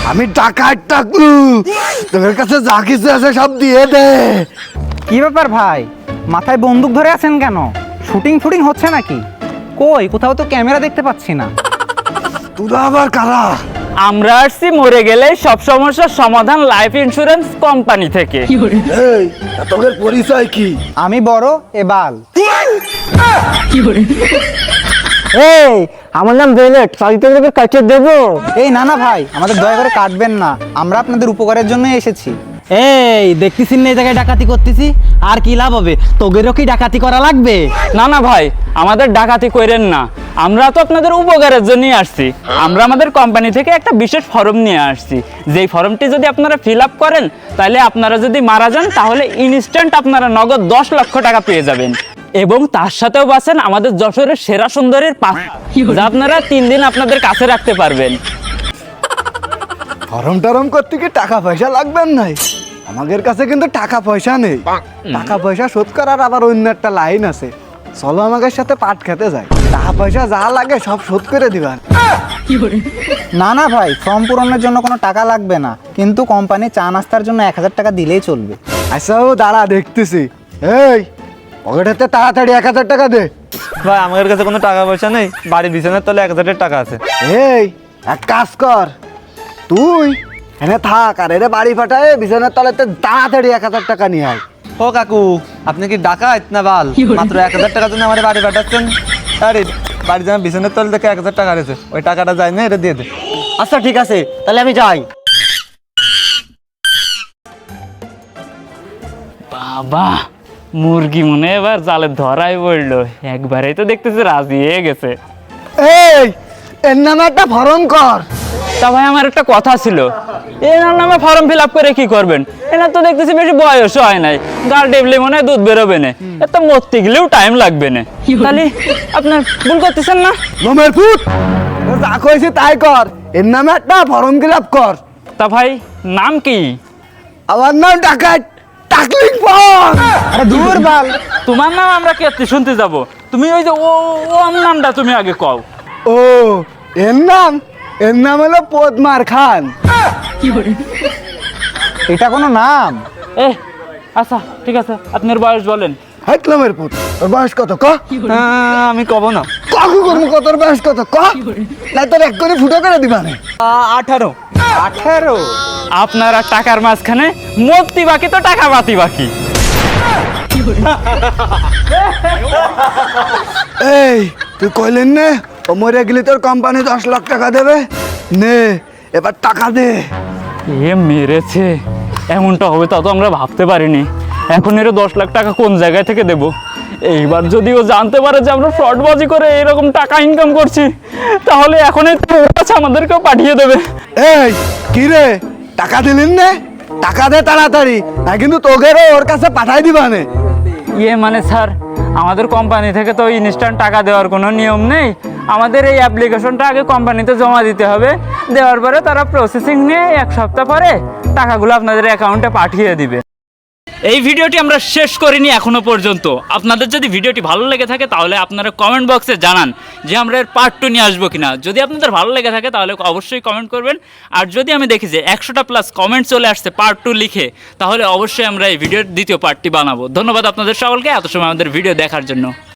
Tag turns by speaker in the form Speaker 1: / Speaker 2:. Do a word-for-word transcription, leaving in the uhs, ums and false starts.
Speaker 1: আমি টাকার টাকলু, তোর কাছে যা কিছু আছে সব দিয়ে দে।
Speaker 2: কি ব্যাপার ভাই, মাথায় বন্দুক ধরে আছেন কেন? শুটিং ফুটিং হচ্ছে নাকি? কই কোথাও তো ক্যামেরা দেখতে পাচ্ছি না।
Speaker 1: তোরা আবার কারা?
Speaker 3: আমরা আসছি মরে গেলে সব সমস্যার সমাধান লাইফ ইন্স্যুরেন্স কোম্পানি থেকে।
Speaker 1: এই তোদের পরিচয় কি?
Speaker 2: আমি বড় এবাল।
Speaker 4: এই আমার নাম বেলেট, চারিত্রিক কাছে দেবো।
Speaker 2: এই না না ভাই, আমাদের দয়া করে কাটবেন না, আমরা আপনাদের উপকারের জন্যই এসেছি।
Speaker 4: এই দেখতেছিস না এই জায়গায় ডাকাতি করতেছি, আর কি লাভ হবে? তোদেরও কি ডাকাতি করা লাগবে?
Speaker 3: না না ভাই, আমাদের ডাকাতি কইরেন না, আমরা তো আপনাদের উপকারের জন্যই আসছি। আমরা আমাদের কোম্পানি থেকে একটা বিশেষ ফর্ম নিয়ে আসছি, যেই ফর্মটি যদি আপনারা ফিল আপ করেন, তাহলে আপনারা যদি মারা যান তাহলে ইনস্ট্যান্ট আপনারা নগদ দশ লক্ষ টাকা পেয়ে যাবেন, এবং তার সাথেও বাঁচেন আমাদের যশোরের সেরা সুন্দরীর পাখা, যা আপনারা তিন দিন আপনাদের কাছে রাখতে পারবেন।
Speaker 1: ফরম টরম করতে কি টাকা পয়সা লাগবেন নাই? আমাদের কাছে কিন্তু টাকা পয়সা নেই। টাকা পয়সা শোধ করার আবার অন্য একটা লাইন আছে, চলো আমাদের সাথে পাট খেতে যাই, টাকা পয়সা যা লাগে সব শোধ করে দিবেন।
Speaker 2: না না ভাই, ফর্ম পূরণের জন্য কোনো টাকা লাগবে না, কিন্তু কোম্পানি চা নাস্তার জন্য এক হাজার টাকা দিলেই চলবে।
Speaker 1: আচ্ছা ও দাঁড়া, দেখতেছি। এই পকেটেতে তাড়াতাড়ি এক হাজার টাকা দে।
Speaker 5: ভাই আমাদের কাছে কোনো টাকা পয়সা নেই, বাড়ি বিছানার তলে এক হাজার টাকা আছে।
Speaker 1: এই এক কাজ কর, তুই এনে থাক আর এরে বাড়ি পাঠায় বিছানার তলাতে তাড়াতাড়ি এক হাজার টাকা নিয়ে আয়।
Speaker 5: ও কাকু, আপনি কি ডাকাত না বাল? মাত্র এক হাজার টাকার জন্য আমার বাড়ি পাঠাচ্ছেন? আরে বাড়ি যেন বিছানার তলে থেকে এক হাজার টাকা রয়েছে, ওই টাকাটা যায় না, এটা দিয়ে দে।
Speaker 4: আচ্ছা ঠিক আছে, তাহলে আমি যাই।
Speaker 3: বাবা, মুরগি মনে এবার জালে ধরাই পড়লো, একবারেই তো দেখতেছি রাজি হয়ে গেছে।
Speaker 1: এই এর নামে একটা ফর্ম কর।
Speaker 3: তা ভাই আমার একটা কথা ছিল, এনার নামে ফর্ম ফিল আপ করে কি করবেন? এনার তো দেখতেছি বেশি বয়স হয় নাই, গাল টেবলে মনে হয় দুধ বেরোবে না, এত মরতে গেলেও টাইম লাগবে না, তাহলে আপনার ভুল করতেছেন না?
Speaker 1: লোমের ফুট, ও যা কইছে তাই কর, এর নামে একটা ফর্ম ফিল আপ কর।
Speaker 3: তা ভাই নাম কি?
Speaker 1: আমার নাম ডাকাত টাকলিং ফর্ম।
Speaker 2: আরে দূর বাল,
Speaker 3: তোমার নাম আমরা কে শুনতে যাব? তুমি ওই যে ও ও আমার নামটা তুমি আগে কও।
Speaker 1: ও এর নাম, এর নাম হলো পদ্মার খান।
Speaker 2: এটা কোনো নাম?
Speaker 3: এ আচ্ছা ঠিক আছে, আপনার বয়স বলেন।
Speaker 1: হাইট লোমের ফুট, তোর বয়স কত ক?
Speaker 5: আহ, আমি কব না।
Speaker 1: কাকু করবো কত, তোর বয়স কত ক? না তোর এক করে ফুটো করে দিবা না।
Speaker 5: আঠারো।
Speaker 2: আঠেরো?
Speaker 3: আপনারা টাকার মাঝখানে মূর্তি বাকি তো টাকা বাতি বাকি।
Speaker 1: এই তুই কইলেন না ও মরে গেলে তোর কোম্পানি দশ লাখ টাকা দেবে, নে এবার টাকা দে।
Speaker 3: এ মেরেছে, এমনটা হবে তা তো আমরা ভাবতে পারিনি। এখন এর দশ লাখ টাকা কোন জায়গায় থেকে দেব? এইবার যদি ও জানতে পারে যে আমরা ফ্রডবাজি করে এরকম টাকা ইনকাম করছি, তাহলে এখনই তো ওর কাছে আমাদেরকেও পাঠিয়ে দেবে।
Speaker 1: এই কি রে, টাকা দিলেন না? টাকা দে তাড়াতাড়ি, না কিন্তু তোকেরও ওর কাছে পাঠাই দিবা নে।
Speaker 3: ইয়ে মানে স্যার, আমাদের কোম্পানি থেকে তো ইনস্ট্যান্ট টাকা দেওয়ার কোনো নিয়ম নেই। আমাদের এই অ্যাপ্লিকেশনটা আগে কোম্পানিতে জমা দিতে হবে, দেওয়ার পরে তারা প্রসেসিং নিয়ে এক সপ্তাহ পরে টাকাগুলো আপনাদের অ্যাকাউন্টে পাঠিয়ে দিবে। এই ভিডিওটি আমরা শেষ করিনি এখনো পর্যন্ত। আপনাদের যদি ভিডিওটি ভালো লেগে থাকে তাহলে আপনারা কমেন্ট বক্সে জানান যে আমরা এর পার্ট টু নিয়ে আসবো কিনা। যদি আপনাদের ভালো লেগে থাকে তাহলে অবশ্যই কমেন্ট করবেন, আর যদি আমি দেখি যে একশোটা প্লাস কমেন্ট চলে আসছে পার্ট টু লিখে, তাহলে অবশ্যই আমরা এই ভিডিওর দ্বিতীয় পার্টটি বানাবো। ধন্যবাদ আপনাদের সকলকে এত সময় আমাদের ভিডিও দেখার জন্য।